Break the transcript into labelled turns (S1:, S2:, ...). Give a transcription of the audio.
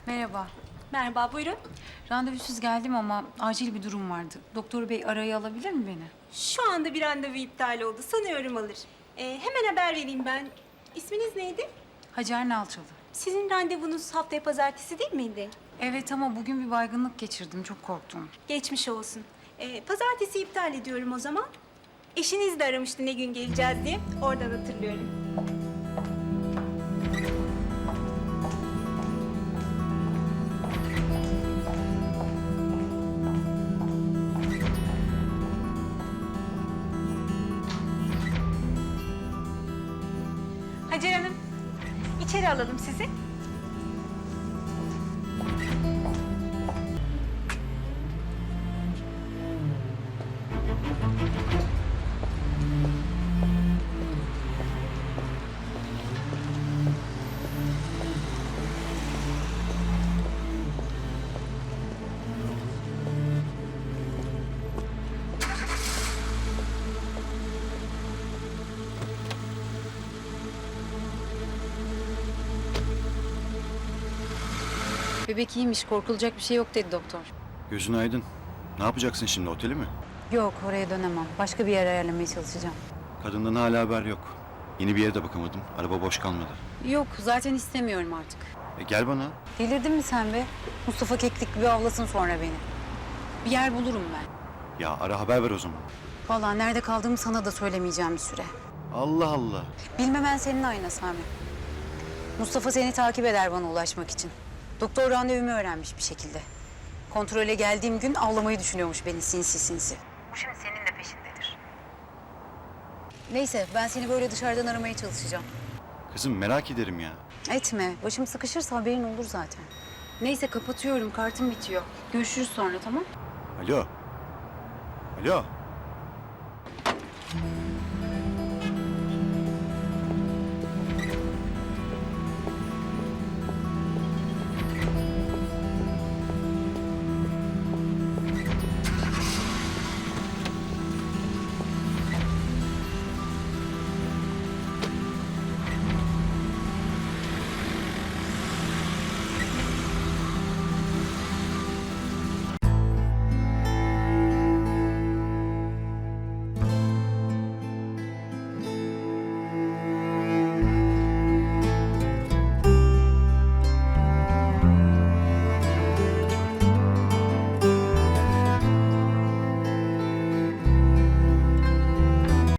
S1: Merhaba.
S2: Merhaba, buyurun.
S1: Randevusuz geldim ama acil bir durum vardı. Doktor bey araya alabilir mi beni?
S2: Şu anda bir randevu iptal oldu. Sanıyorum alır. Hemen haber vereyim ben. İsminiz neydi?
S1: Hacer Nalçalı.
S2: Sizin randevunuz haftaya pazartesi değil miydi?
S1: Evet ama bugün bir baygınlık geçirdim. Çok korktum.
S2: Geçmiş olsun. Pazartesi iptal ediyorum o zaman. Eşiniz de aramıştı ne gün geleceğiz diye. Oradan hatırlıyorum. Hacer Hanım, içeri alalım sizi.
S1: Bebek iyiymiş, korkulacak bir şey yok dedi doktor.
S3: Gözün aydın. Ne yapacaksın şimdi, oteli mi?
S1: Yok, oraya dönemem. Başka bir yer ayarlamaya çalışacağım.
S3: Kadından hala haber yok. Yeni bir yere de bakamadım. Araba boş kalmadı.
S1: Yok, zaten istemiyorum artık.
S3: Gel bana.
S1: Delirdin mi sen be? Mustafa keklik gibi avlasın sonra beni. Bir yer bulurum ben.
S3: Ya ara haber ver o zaman.
S1: Vallahi nerede kaldığımı sana da söylemeyeceğim bir süre.
S3: Allah Allah.
S1: Bilmemen senin ayna Sami. Mustafa seni takip eder bana ulaşmak için. Doktor randevumu öğrenmiş bir şekilde. Kontrole geldiğim gün avlamayı düşünüyormuş beni sinsi sinsi. Bu şimdi senin de peşindedir. Neyse ben seni böyle dışarıdan aramaya çalışacağım.
S3: Kızım merak ederim ya.
S1: Etme. Başım sıkışırsa haberin olur zaten. Neyse kapatıyorum. Kartım bitiyor. Görüşürüz sonra tamam?
S3: Alo. Alo.